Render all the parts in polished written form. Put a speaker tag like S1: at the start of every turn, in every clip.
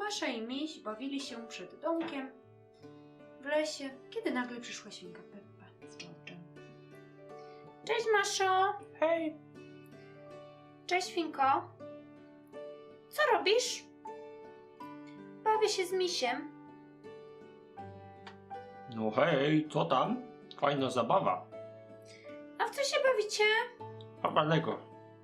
S1: Masza i Miś bawili się przed domkiem w lesie, kiedy nagle przyszła świnka Peppa z George'em. Cześć, Maszo!
S2: Hej,
S1: Cześć, Świnko! Co robisz? Bawię się z Misiem.
S2: no hej, co tam? Fajna zabawa.
S1: A w co się bawicie?
S2: Chowanego.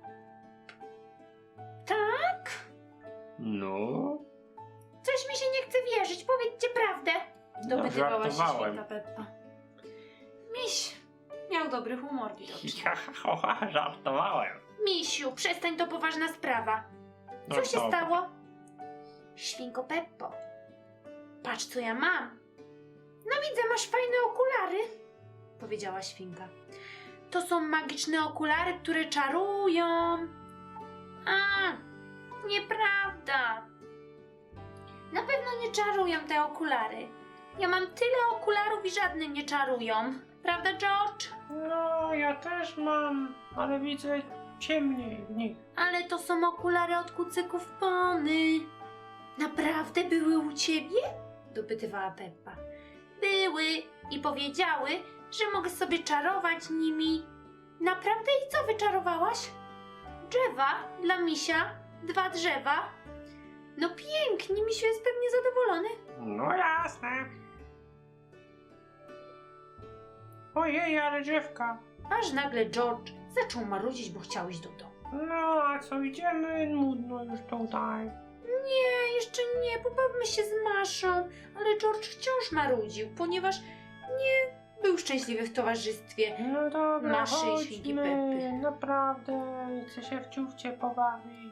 S1: Tak?
S2: No,
S1: Coś mi się nie chce wierzyć, powiedzcie prawdę. Dopytywała się
S2: żartowałem.
S1: świnka Peppa. Miś miał dobry humor widocznie.
S2: Żartowałem.
S1: Misiu, przestań, to poważna sprawa.
S2: No
S1: Co się
S2: dobra.
S1: stało? Świnko Peppo, patrz co ja mam. No widzę, masz fajne okulary, powiedziała świnka. To są magiczne okulary, które czarują. A, nieprawda. Na pewno nie czarują te okulary. Ja mam tyle okularów i żadne nie czarują. Prawda, George?
S2: No, ja też mam, ale widzę ciemniej w nich.
S1: Ale to są okulary od kucyków Pony. Naprawdę były u ciebie? Dopytywała Peppa. Były i powiedziały, że mogę sobie czarować nimi. Naprawdę? I co wyczarowałaś? Drzewa dla misia, 2 drzewa. No pięknie, misiu jest pewnie zadowolony.
S2: No jasne. Ojej, ale drzewka.
S1: Aż nagle George zaczął marudzić, bo chciał iść do domu.
S2: No, a co, idziemy? Nudno już tutaj.
S1: Nie, jeszcze nie, pobawmy się z Maszą, ale George wciąż marudził, ponieważ nie był szczęśliwy w towarzystwie.
S2: No dobra,
S1: Maszy i świnki
S2: chodźmy.
S1: Peppy.
S2: Naprawdę, chcę się w ciufcie pobawić.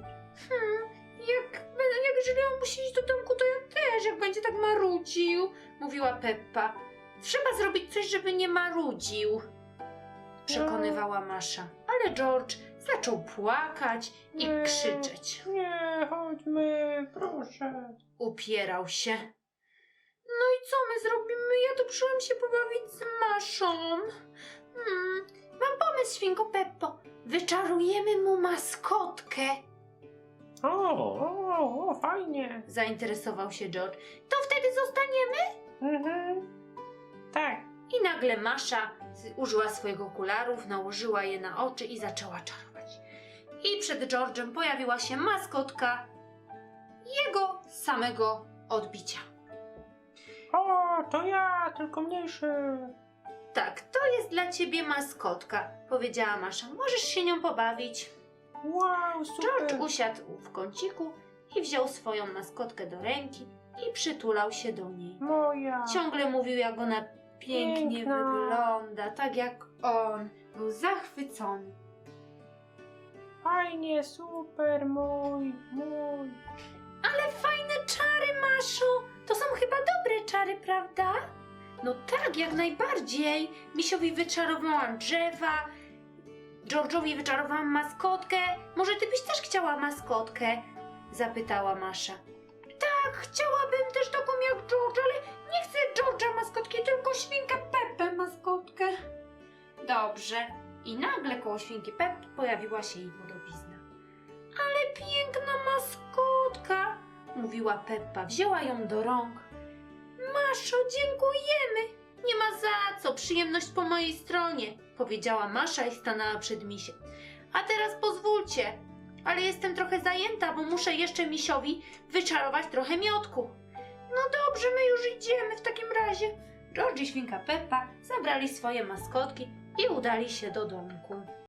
S1: Jeżeli on musi iść do domku, to ja też, jak będzie tak marudził, mówiła Peppa. Trzeba zrobić coś, żeby nie marudził, przekonywała Masza. Ale George zaczął płakać i
S2: Nie.
S1: krzyczeć.
S2: Nie, chodźmy, proszę.
S1: Upierał się. No i co my zrobimy? Ja tu przyszłam się pobawić z Maszą. Mam pomysł, świnko Peppo. Wyczarujemy mu maskotkę.
S2: O, fajnie.
S1: Zainteresował się George. To wtedy zostaniemy?
S2: Tak.
S1: I nagle Masza użyła swoich okularów, nałożyła je na oczy i zaczęła czarować. I przed George'em pojawiła się maskotka jego samego odbicia.
S2: O, to ja, tylko mniejszy.
S1: Tak, to jest dla ciebie maskotka, powiedziała Masza. Możesz się nią pobawić.
S2: Wow, super.
S1: George usiadł w kąciku i wziął swoją maskotkę do ręki i przytulał się do niej.
S2: Moja.
S1: Ciągle mówił, jak ona pięknie
S2: Piękna.
S1: wygląda, tak jak on. Był zachwycony.
S2: Fajnie, super, mój.
S1: Ale fajne czary, Maszu! To są chyba dobre czary, prawda? No tak, jak najbardziej. Misiowi wyczarowałam drzewa, George'owi wyczarowałam maskotkę. Może ty byś też chciała maskotkę? Zapytała Masza. Tak, chciałabym też taką jak George, ale nie chcę George'a maskotki, tylko świnkę Peppę maskotkę. Dobrze. I nagle koło świnki Peppy pojawiła się jej podobizna. Ale piękna maskotka, mówiła Peppa. Wzięła ją do rąk. Maszo, dziękujemy. Nie ma za co, przyjemność po mojej stronie, powiedziała Masza i stanęła przed misiem. A teraz pozwólcie, ale jestem trochę zajęta, bo muszę jeszcze misiowi wyczarować trochę miodku. No dobrze, my już idziemy w takim razie. George i świnka Peppa zabrali swoje maskotki i udali się do domku.